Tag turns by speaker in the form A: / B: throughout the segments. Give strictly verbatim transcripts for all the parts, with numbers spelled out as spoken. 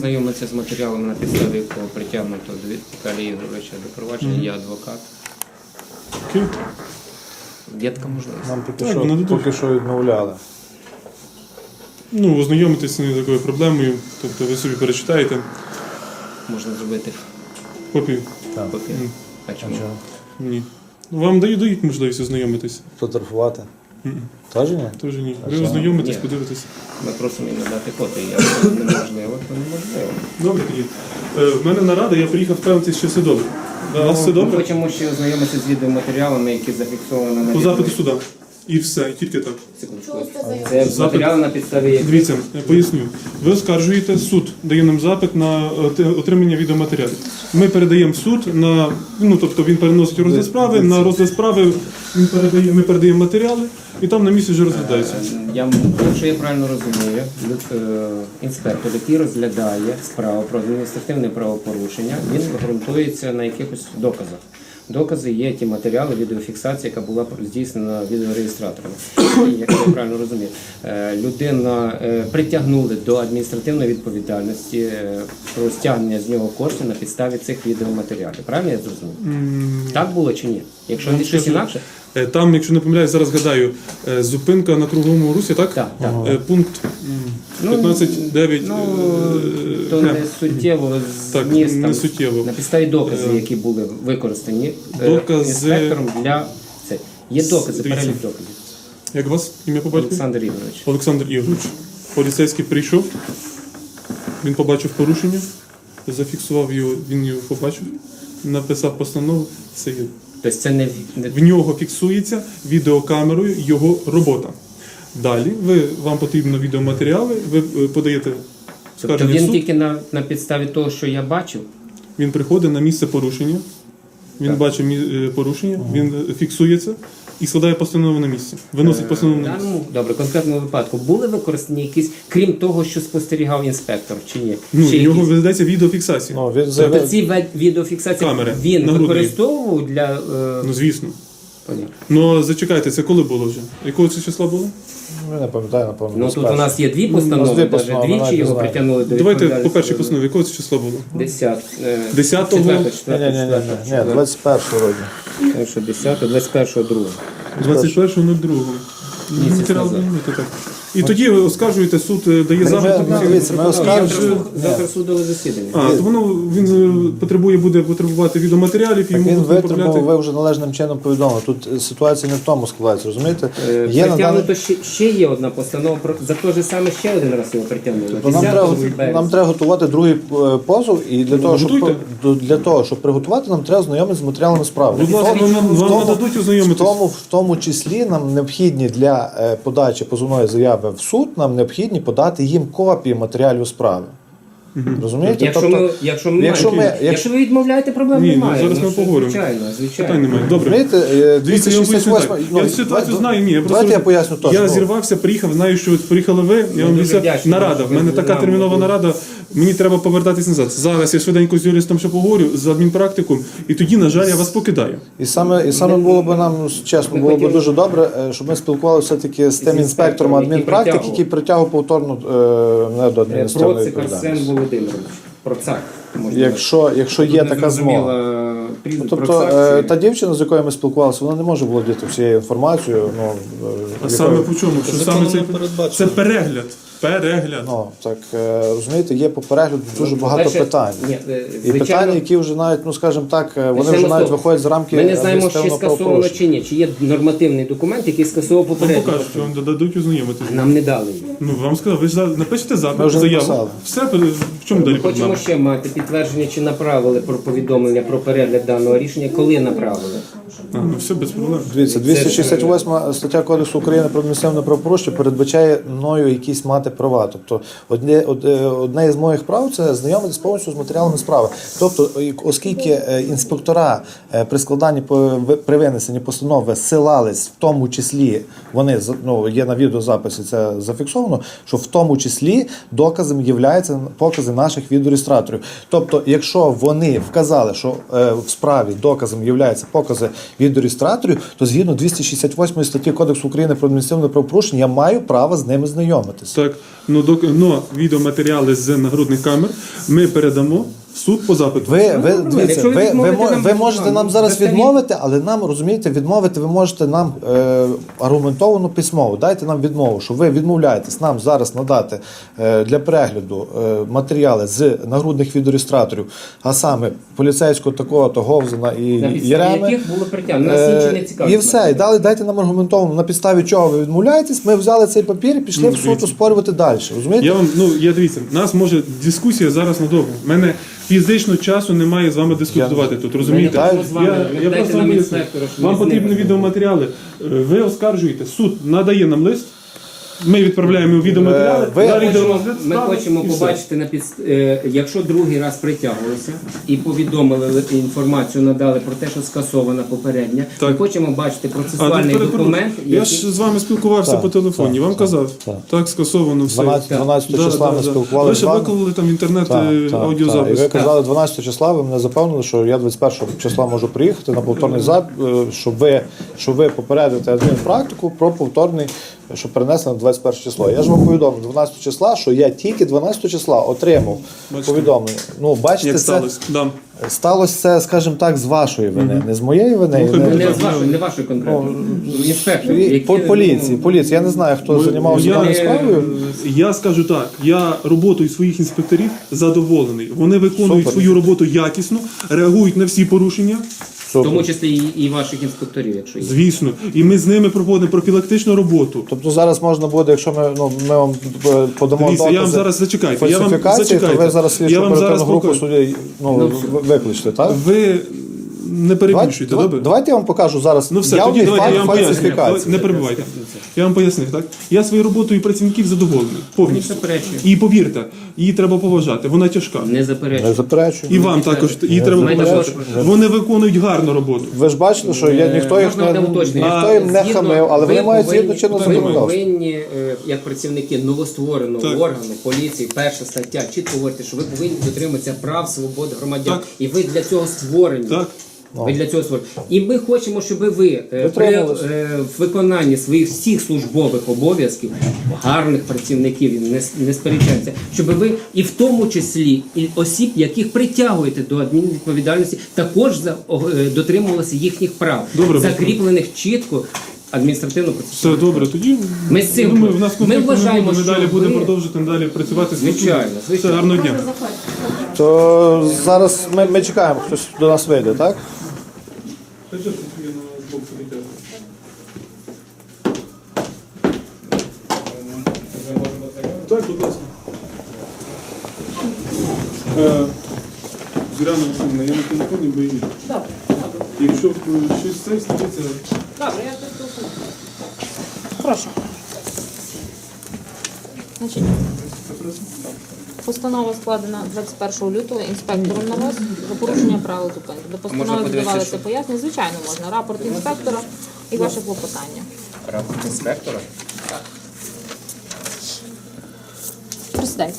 A: ознайомитися з матеріалами, на підставі якого притягнуто до Віталія Ігоровича до провадження, mm-hmm. я адвокат.
B: Окей.
A: Є така можливість.
C: Нам поки,
B: Так,
C: що, поки що відмовляли.
B: Ну, ознайомитися не такою проблемою, тобто ви собі перечитаєте.
A: Можна зробити
B: Копію?
C: Так.
A: копію.
B: Mm.
A: А чому?
B: Ні. Вам дають, дають можливість ознайомитись?
C: Фотографувати?
B: Mm-mm.
C: Теж ні?
B: Теж ні.
C: А
B: Ви
C: чому?
B: ознайомитесь,
A: Ні.
B: подивитесь.
A: Ми просимо їм надати копію. Якщо неможливо, то неможливо.
B: Добре тоді. Е, в мене нарада, я приїхав впевнитися, що все добре. У вас все
A: Ми
B: добре?
A: хочемо ще ознайомитися з відеоматеріалами, які зафіксовані на
B: По запиту
A: відео.
B: суда. І все, і тільки так.
A: Секундочку. Це
B: Запит.
A: матеріали, на підставі яких...
B: Дивіться, я поясню. Ви оскаржуєте, суд дає нам запит на е, отримання відеоматеріалів. Ми передаємо в суд на, ну тобто він переносить у розгляд справи, на розгляд справи він передає, ми передаємо матеріали і там на місці вже розглядається.
A: Я, якщо я правильно розумію, люд- е, інспектор, який розглядає справу про адміністративне правопорушення, він ґрунтується на якихось доказах. Докази є ті матеріали, відеофіксація, яка була здійснена відеореєстраторами. І, якщо я правильно розумію, е, людина е, притягнули до адміністративної відповідальності е, про стягнення з нього коштів на підставі цих відеоматеріалів. Правильно я зрозумів?
B: М,
A: Так було чи ні? Якщо
B: Ну,
A: не щось
B: скажу,
A: інакше,
B: е, Там, якщо не помиляюсь, зараз гадаю, е, зупинка на круговому русі, так?
A: так, так.
B: Е, Пункт
A: Ну,
B: п'ятнадцять дев'ять.
A: Ну,
B: е,
A: то
B: Г.
A: не суттєво
B: Так,
A: зміст,
B: не
A: там,
B: суттєво.
A: на підставі доказів, які були використані е,
B: Докази-
A: інспектором для це. Є докази,
B: Дивіться.
A: перелік доказів.
B: Як вас ім'я по батькові?
A: Олександр Ігорович.
B: Олександр Ігорович. Поліцейський прийшов, він побачив порушення, зафіксував його, він його побачив, написав постанову, це є.
A: Тобто це не, не
B: В нього фіксується відеокамерою його робота. Далі ви, вам потрібно відеоматеріали, ви е, подаєте
A: тобто
B: скарження в
A: він
B: суд,
A: тільки на, на підставі того, що я бачив.
B: він приходить на місце порушення, він
A: Так.
B: бачить мі- е, порушення, він е, фіксується і складає постанову на місці. Виносить постанову
A: В
B: на місце.
A: даному добре, конкретному випадку були використані якісь, крім того, що спостерігав інспектор, чи ні?
B: Ну,
A: Ще
B: в нього
A: якісь?
B: ведеться відеофіксація.
C: Ну, він
A: Тобто
C: заявив,
A: ці ве- відеофіксації
B: Камери,
A: він
B: нагрудні.
A: використовував для е,
B: Ну, звісно.
A: понятно.
B: Ну, зачекайте, це коли було вже? Якого це числа було?
C: я не пам'ятаю, напевно.
A: Ну тут у нас є дві
C: У нас
A: постанови,
C: дві
A: навіть
C: постанови,
A: двічі
C: навіть не
A: його
C: знаю.
A: притягнули до
B: Давайте по
A: відповідальності.
B: першій постанові, якого це числа було?
A: Десят, е,
B: Десятого?
A: четвертого,
C: Ні, ні,
A: четвертого,
C: ні, ні,
A: четвертого,
C: ні, ні, двадцять першого року.
A: четвертого, десятого, двадцять першого, другого.
B: двадцять першого ну другого.
A: Місяць
B: Матеріал
A: назад.
B: знімете, так. І тоді ви оскаржуєте, суд е, дає
C: Ми-
B: запит.
C: ми- дивіться, ми оскаржуємо.
A: Завтра судове засідання.
B: А, то воно він е, потребує, буде потребувати відеоматеріалів, і
C: Так
B: йому
C: він
B: будуть
C: витримав,
B: направляти.
C: ви вже належним чином повідомили. Тут е, ситуація не в тому складається, розумієте?
A: Е,
C: Є на даний...
A: Притягнуто ще, ще є одна постанова, про- за те ж саме ще один раз його притягнули.
C: То нам треба,
A: десятого березня.
C: нам треба готувати другий е, позов, і для того, щоб,
B: готуйте.
C: до- для того, щоб приготувати, нам треба знайомитися з матеріалами справи.
B: Будь ласка,
C: В тому-
B: вам,
C: в
B: вам
C: тому-
B: нададуть
C: В
B: ознайомитись.
C: тому, в тому числі нам необхідні для е, подачі позовної заяви в суд, нам необхідні подати їм копії матеріалів справи. Розумієте?
A: Якщо,
C: Тобто,
A: ми, якщо, ми
C: якщо
A: маємо-
C: ми-
A: якщо ви відмовляєте, проблем
B: Ні, ну,
A: немає.
B: зараз ми
A: що,
B: поговоримо.
A: Звичайно, звичайно.
B: Питань немає. Добре.
C: розумієте, е,
B: Дивіться, я вам поясню так.
C: двісті шістдесят восьмий,
B: Я цю ситуацію знаю, ні. Я просто
C: Давайте я
B: роз-
C: поясню теж.
B: Я
C: ну.
B: зірвався, приїхав, знаю, що от приїхали ви, я вам
A: дуже
B: обіцяв,
A: вдячні,
B: нарада.
A: що
B: В мене
A: ви
B: така
A: нам
B: термінова
A: були.
B: нарада, мені треба повертатись назад. Зараз я швиденько з юристом ще поговорю, з адмінпрактиком, і тоді, на жаль, я вас покидаю.
C: І саме, і саме було б нам, чесно,
A: Ми
C: було б
A: хотіли-
C: дуже добре, е, щоб ми спілкувалися все-таки з тим
A: інспектором,
C: інспектором
A: який
C: адмінпрактики,
A: притягував.
C: який притягував повторно е, не до адміністративної
A: Процик Арсен
C: відповідальності.
A: Володимирович. Процак. можна
C: Якщо, якщо є
A: Тут
C: така
A: незрозуміло,
C: змога.
A: прізвище,
C: Тобто
A: Процак
C: е,
A: чи-
C: та дівчина, з якою ми спілкувалися, вона не може володіти всією інформацією. Ну, е,
B: А
C: якою-
B: саме по чому? Що саме це,
D: передбачено.
B: це перегляд. Перегляд.
C: Ну, так, е, розумієте, є по перегляду дуже багато
A: По-перше,
C: питань.
A: ні, е,
C: І
A: звичайно,
C: питання, які вже навіть, ну скажімо так, е, вони
A: Почнемо
C: вже
A: з
C: навіть
A: того.
C: виходять з рамки
A: Ми не знаємо, чи
C: адміністративного
A: скасовано
C: правопорушення.
A: чи ні, чи є нормативний документ, який скасовував
B: Вам
A: попередню
B: покажуть,
A: постанову.
B: вам дадуть ознайомитись.
A: Нам не дали її.
B: Ну, вам сказав, ви ж за- напишете
C: Ми
B: запит,
C: вже
B: заяву.
C: написали.
B: Все, в чому далі
A: Ми хочемо
B: проблема?
A: ще мати підтвердження, чи направили про повідомлення про перегляд даного рішення, коли направили.
B: А, ну все, без проблем.
C: Дивіться, двісті шістдесят восьма стаття Кодексу України про адміністративне правопорушення передбачає мною якісь мати права. Тобто одне, од- е, одне із моїх прав це знайомитись повністю з матеріалами справи. Тобто, і- оскільки е, інспектора е, при складанні по- ви- при винесенні постанови силались, в тому числі вони з- ну, є на відеозаписі, це зафіксовано. аргументовано, що в тому числі доказом являються покази наших відеореєстраторів. Тобто, якщо вони вказали, що е, в справі доказом являються покази відеореєстраторів, то згідно двісті шістдесят восьмої статті Кодексу України про адміністративне правопорушення я маю право з ними знайомитися.
B: Так, ну, док... но відеоматеріали з нагрудних камер ми передамо в суд по запиту.
C: Ви, ви, дивіться,
A: Якщо ви
C: ви, ви,
A: відмовите
C: мо-
A: нам,
C: ви можете
A: нам
C: нам зараз
A: достатньо-
C: відмовити, але нам, розумієте, відмовити ви можете нам е, аргументовано письмово. Дайте нам відмову, що ви відмовляєтесь нам зараз надати е, для перегляду е, матеріали з нагрудних відеореєстраторів, а саме поліцейського такого-то Говзина і
A: На підставі
C: Єреми.
A: яких було притягнено. Нас
C: Е,
A: інші не цікавить.
C: І все, і дали, дайте нам аргументовано, на підставі чого ви відмовляєтесь, ми взяли цей папір і пішли в суд оспорювати далі. Розумієте?
B: Я вам, ну, я дивіться, нас може дискусія зараз надовго. У мене фізично часу немає з вами дискутувати тут, розумієте?
C: Ми не
A: можемо з вами.
B: Я,
A: Ви
B: я
A: дайте
B: просто
A: нам
B: вам поясню.
A: інспектора, що
B: Вам
A: ми з ним
B: потрібні
A: розмовляємо.
B: відеоматеріали. Е, Ви оскаржуєте, суд надає нам лист, ми відправляємо відеоматеріали,
C: Е, ви-
B: далі йде
A: Хочемо-
B: розгляд
A: Ми
B: справи,
A: хочемо
B: і все.
A: побачити на підст... е, якщо другий раз притягувалися і повідомили інформацію, надали про те, що скасована попередня. Ми
B: Так.
A: хочемо бачити
B: А,
A: процесуальний
B: тут перепрошую.
A: документ,
B: Я
A: який...
B: ж з вами спілкувався
C: Так,
B: по телефоні,
C: так,
B: вам
C: так,
B: казав.
C: так.
B: Так, скасовано все.
C: дванадцятого дванадцятого
B: Да,
C: числа
B: да,
C: ми
B: да.
C: спілкувалися
B: Ви
C: з
B: ще
C: вами.
B: виклали там в інтернет
C: Так,
B: е,
C: так,
B: аудіозапис.
C: так. І ви казали, дванадцятого числа ви мене запевнили, що я двадцять першого числа можу приїхати на повторний запит, щоб ви, щоб ви попередите адмінпрактику про повторний, щоб перенесли на двадцять перше число. Я ж вам повідомив дванадцятого числа, що я тільки дванадцятого числа отримав
B: Бачите.
C: повідомлення. Ну, бачите,
B: Як
C: це
B: сталося? Да.
C: сталося це, скажімо так, з вашої вини, не з моєї вини.
B: Ну,
C: і не-
A: Не з вашої, не вашої конкретно. Інспектор,
C: І
A: які,
C: по- поліції,
A: ну,
C: поліції. Я не знаю, хто займався
B: я-
C: даною справою.
B: Я скажу так, я роботою своїх інспекторів задоволений. Вони виконують
C: Супер.
B: свою роботу якісно, реагують на всі порушення,
A: в тому числі і, і ваших інспекторів, якщо є.
B: звісно. І ми з ними проводимо профілактичну роботу.
C: Тобто зараз можна буде, якщо ми, ну, ми вам е, подамо
B: Дивіться, я вам
C: докази
B: зараз зачекайте. Я вам
C: фальсифікації, то
B: зачекайте.
C: ви зараз слідчу
B: Я вам
C: оперативну
B: зараз
C: групу
B: покажу.
C: судді ну,
A: Ну,
C: ви- викличте, так?
B: Ви не перебільшуйте,
C: Давайте,
B: добре?
C: давайте я вам покажу зараз
B: Ну все,
C: явний
B: тоді давайте
C: факт
B: я вам поясню.
C: фальсифікації.
B: Не перебувайте. Я вам пояснив, так? Я своєю роботою працівників задоволений. Повністю.
A: Не заперечую.
B: І повірте, її треба поважати. Вона тяжка.
A: Не
C: Не
A: заперечую.
C: заперечую.
B: І вам також її треба
A: Знаєте,
B: поважати.
A: що-
B: Вони виконують гарну роботу.
C: Ви ж бачите, що я, ніхто їх
A: Можна
C: не,
A: одне уточнення?
C: ніхто їм не
A: Згідно-
C: хамив, але вони
A: ви
C: мають
A: повинні-
C: згідно чинного
A: ви
C: законодавства.
A: повинні, е, як працівники новоствореного
B: Так.
A: органу, поліції, перша стаття, чітко говорити, що ви повинні дотримуватися прав, свобод громадян.
B: Так.
A: І ви для цього створені.
B: Так.
A: Ви для цього створені. І ми хочемо, щоб ви е, при
C: Дотримувалися.
A: е, виконанні своїх всіх службових обов'язків, гарних працівників, не, с- не сперечаються, щоб ви і в тому числі і осіб, яких притягуєте до адмінвідповідальності, також за, о, е, дотримувалися їхніх прав,
B: Добре,
A: закріплених чітко адміністративно процесуально.
B: Все добре, тоді
A: Ми з цим-
B: я думаю, в нас
A: ми
B: конфлікту не
A: вважаємо,
B: буде, ми
A: що
B: далі
A: ви-
B: будемо продовжувати далі працювати з
A: Звичайно,
B: Все,
A: звичайно.
B: гарного дня.
C: То зараз ми, ми чекаємо, хтось до нас вийде, так?
B: Так, будь ласка. Е, Зоряна Олександрівна, я на телефоні боюсь.
D: Добре,
B: Якщо е, щось це станеться,
D: добре, я приступу. Прошу. Значить, постанова складена двадцять першого лютого інспектором на вас за порушення правил зупинки. До постанови
A: подивитися,
D: видавалися
A: що?
D: пояснення. Звичайно, можна. Рапорт інспектора і ваше клопотання.
A: Рапорт інспектора.
D: Присідайте.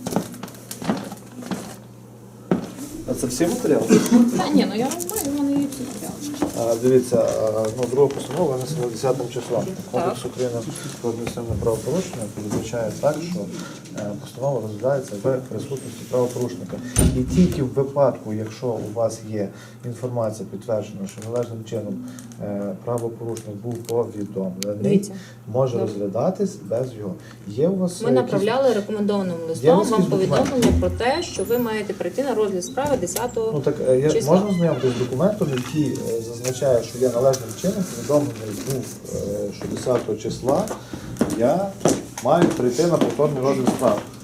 C: А це всі матеріали?
D: Та ні, ну я вам знаю, в мене є всі матеріали.
C: А, Дивіться, а, ну, друга постанова винесена десятим числом. Кодекс України про адміністративне правопорушення передбачає так, що е, постанова розглядається в присутності правопорушника. І тільки в випадку, якщо у вас є інформація підтверджена, що належним чином е, правопорушник був повідомлений,
D: Дивіться.
C: може
D: Добре.
C: розглядатись без його. Є у вас
D: Ми
C: е,
D: направляли рекомендованим
C: Є
D: листом
C: якісь
D: вам
C: документи?
D: повідомлення про те, що ви маєте прийти на розгляд справи десятого
C: Ну так е, я,
D: числа.
C: можна знайомитися з документом, який е, зазначає, що я належним чином повідомлений був, е, що десятого числа я маю прийти на повторний розгляд справи.